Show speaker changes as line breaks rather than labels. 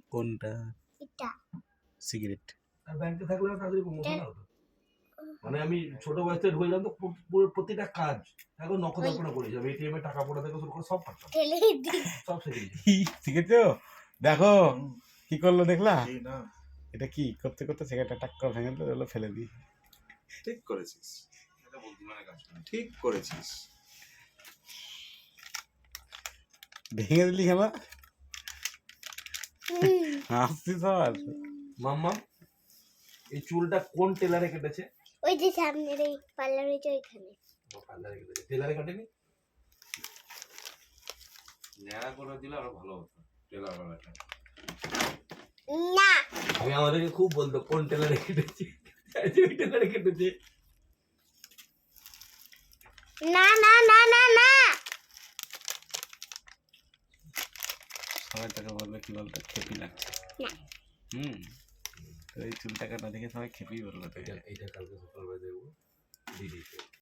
কোনটা?
এটা
সিগারেট।
আর ব্যাংকে থাকলে তাড়াতাড়ি প্রমোশন হতো। মানে আমি ছোট বয়স থেকে ঢুকে যেতাম তো পুরো প্রতিটা কাজ এখন নখদর্পণে করে যাবে, এটিএম এ টাকা পড়া থেকে শুরু করে সব পারতাম,
ঠেলে দি
সব শিখে গেছি।
শিখেছো? দেখো কি করলো দেখলা? এটা কি করতে করতে সিগারেটটা টাক করে ভেঙে দিল, ফেলে দিই।
ঠিক করেছিস, এটা বুদ্ধিমানের কাজ, ঠিক করেছিস।
ভেঙে দিলি কেন? হাসছিস আর?
মাম্মা এই চুলটা কোন টেলারে কেটেছে?
ওই যে সামনের এই পার্লার হয়েছে ওইখানে।
পার্লারে কেটেছে, টেলারে কাটেনি?
ন্যাড়া করে দিলে আরো ভালো হতো টেলার বেলাটা।
না
আমি আমাদেরকে খুব বলতো কোন টেলারে কেটেছে, ওই টেলারে কেটেছে।
না না না না না
সবাই তাকে বলবে কি বলতো, খেপি লাগছে।
না
তো এই চুলটা কাটা দেখে সবাই খেপি বলবে।
এইটা কালকে সকালবেলা দেখবো দিদি।